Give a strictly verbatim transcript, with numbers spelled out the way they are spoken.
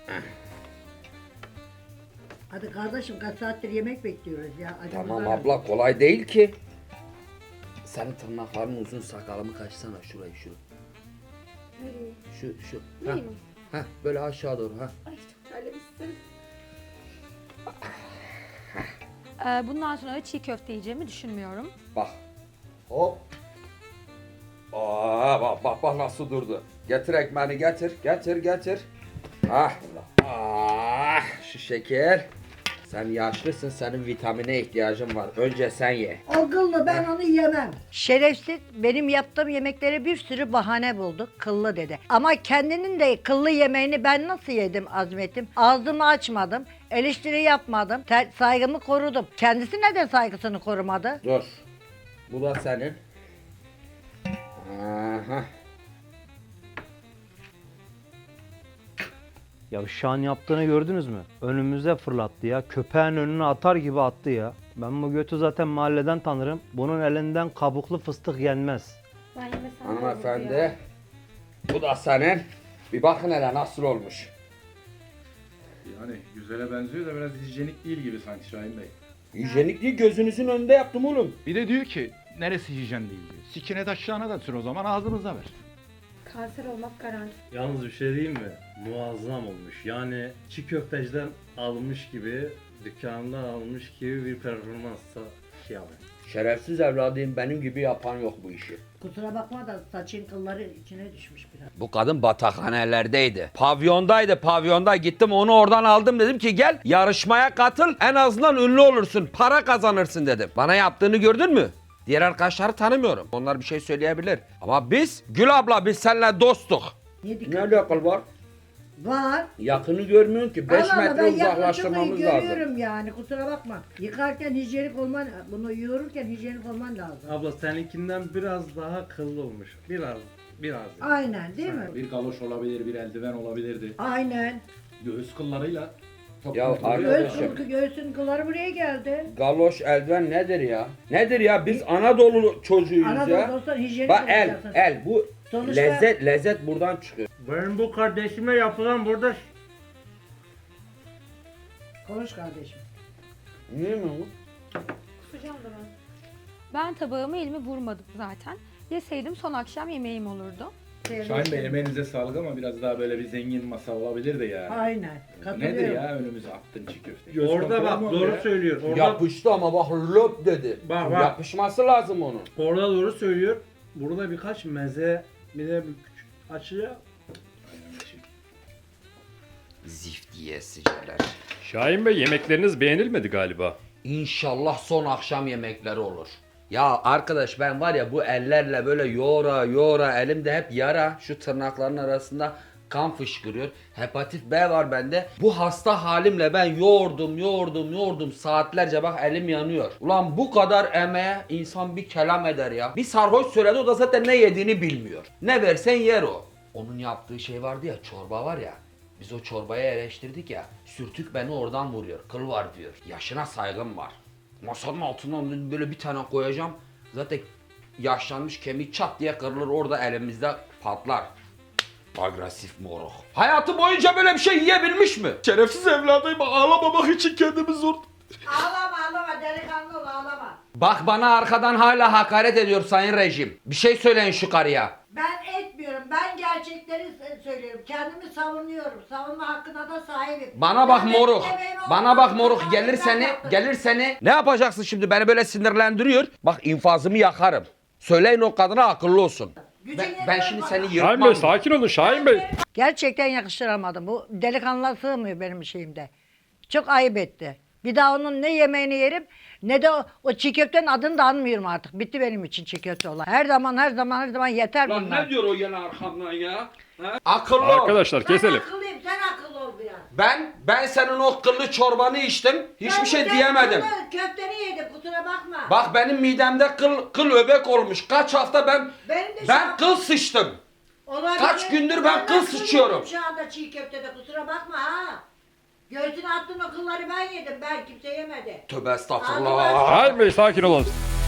Hadi kardeşim kaç saattir yemek bekliyoruz ya. Acımız Tamam var. abla kolay değil ki. Senin tırnakların uzun, sakalımı kaçsana şurayı şu. Nereye? Şu şu. Neyi Heh, mi? heh, böyle aşağı doğru ha. Ay çok terlemişsin. Ee, bundan sonra çiğ köfte yiyeceğimi düşünmüyorum. Bak. Hop. Aa bak bak bak nasıl durdu. Getir ekmeğini getir. Getir getir. Ah. Ah şu şeker. Sen yaşlısın, senin vitamine ihtiyacın var. Önce sen ye. O kıllı ben onu yemem. Şerefsiz benim yaptığım yemeklere bir sürü bahane buldu. Kıllı dedi. Ama kendinin de kıllı yemeğini ben nasıl yedim Azmet'im? Ağzımı açmadım. Eleştiri yapmadım. ter- saygımı korudum. Kendisi neden saygısını korumadı? Dur. Bu da senin. Aha. Ya şu an yaptığını gördünüz mü? Önümüze fırlattı ya. Köpeğin önüne atar gibi attı ya. Ben bu götü zaten mahalleden tanırım. Bunun elinden kabuklu fıstık yenmez. Ben yemesem de Hanımefendi. olur ya. Bu da senin. Bir bakın hele nasıl olmuş. Yani güzele benziyor da biraz hijyenik değil gibi sanki Şahin Bey. Hijyenikliği gözünüzün önünde yaptım oğlum. Bir de diyor ki neresi hijyen değil diyor. Sikine taşlarına da sür o zaman ağzımıza ver. Kanser olmak garanti. Yalnız bir şey diyeyim mi? Muazzam olmuş. Yani çiğ köfteciden almış gibi, dükkanından almış gibi bir performansa şey yapıyor. Şerefsiz evladıyım, benim gibi yapan yok bu işi. Kusura bakma da saçın kılları içine düşmüş biraz. Bu kadın batakhanelerdeydi. Pavyondaydı, pavyonda gittim onu oradan aldım, dedim ki gel yarışmaya katıl, en azından ünlü olursun, para kazanırsın dedim. Bana yaptığını gördün mü? Diğer arkadaşları tanımıyorum. Onlar bir şey söyleyebilir. Ama biz, Gül abla biz seninle dostuk. Niye dikkat Ne alakalı var? Var. Yakını görmüyorsun ki. beş Allah Allah, metre ben yaklaşımı uzaklaştırmamız lazım. görüyorum yani kusura bakma. Yıkarken hijyenik olman, bunu yoğururken hijyenik olman lazım. Abla seninkinden biraz daha kıllı olmuş. Biraz, biraz. Aynen değil mi? Bir galoş olabilir, bir eldiven olabilirdi. Aynen. Göğüs kıllarıyla. Çok Ya kurtuluyor arkadaşım. ya. Göğsün, göğsün kılları buraya geldi. Galoş, eldiven nedir ya? Nedir ya? Biz Anadolu çocuğuyuz Anadolu ya. dostlar hijyenik Bak el, olacaksın. el bu Sonuçta- lezzet, lezzet buradan çıkıyor. Benim bu kardeşime yapılan burada Konuş kardeşim. Niye mi bu? Kusacağım da ben. Ben tabağımı elime vurmadım zaten. Yeseydim son akşam yemeğim olurdu. Şahin Bey emeğinize sağlık ama biraz daha böyle bir zengin masa olabilirdi ya. Aynen. Katılıyorum. Nedir ya önümüze attın çiğ köfte? Göz orada kontrolü bak mü doğru oluyor ya? söylüyor. Orada, Yapıştı ama bak löp dedi. Bak, bak. Yapışması lazım onun. orada doğru söylüyor. Burada birkaç meze, bir de bir küçük açıya. Zift yiyesiceler. Şahin Bey yemekleriniz beğenilmedi galiba. İnşallah son akşam yemekleri olur. Ya arkadaş ben var ya bu ellerle böyle yoğura yoğura elimde hep yara, şu tırnakların arasında kan fışkırıyor. Hepatit B var bende. Bu hasta halimle ben yoğurdum yoğurdum yoğurdum saatlerce, bak elim yanıyor. Ulan bu kadar emeğe insan bir kelam eder ya. Bir sarhoş söyledi, o da zaten ne yediğini bilmiyor. Ne versen yer o. Onun yaptığı şey vardı ya, çorba var ya. Biz o çorbayı eleştirdik ya. Sürtük beni oradan vuruyor. Kıl var diyor. Yaşına saygım var. Masanın altından böyle bir tane koyacağım. Zaten yaşlanmış kemik çat diye kırılır, orada elimizde patlar. Agresif moruk. Hayatı boyunca böyle bir şey yiyebilmiş mi? Şerefsiz evladıyım, ağlamamak için kendimi zor... Ağlama ağlama delikanlı ol ağlama. Bak bana arkadan hala hakaret ediyor sayın rejim. Bir şey söyleyin şu karıya. Ben etmiyorum. Ben gerçekleri s- söylüyorum. Kendimi savunuyorum. Savunma hakkına da sahibim. Bana bak Ben moruk. benim emeğim Bana olmadı. bak moruk. Ben Gelir seni, yaptım. gelir seni. Ne yapacaksın şimdi? Beni böyle sinirlendiriyor. Bak infazımı yakarım. Söyleyin o kadına akıllı olsun. Gücün Ben, ben yetmez şimdi bana. seni Şahin yırtmam. Bey sakin olun Şahin Bey. Gerçekten yakıştıramadım. Bu delikanlılar sığmıyor benim şeyimde. Çok ayıp etti. Bir daha onun ne yemeğini yerim ne de o, o çiğ köftenin adını da anmıyorum artık. Bitti benim için çiğ köfte olan. Her zaman her zaman her zaman yeter Lan bunlar. ne diyor o yana arkamdan ya? Ha? Akıllı ol. Arkadaşlar keselim. Ben akıllıyım, sen akıllı ol biraz. Ben ben senin o kıllı çorbanı içtim. Hiçbir Ben şey bu diyemedim. kıllı Köfteni yedim kusura bakma. Bak benim midemde kıl kıl öbek olmuş. Kaç hafta ben Benim de şu ben an- kıl sıçtım. Olabilir. Kaç gündür ben de kıl sıçıyorum. yedim Şu anda çiğ köftede kusura bakma ha. Göğsüne attığın o kılları ben yedim. Ben kimse yemedi. Tövbe estağfurullah. Şahin Bey sakin olun.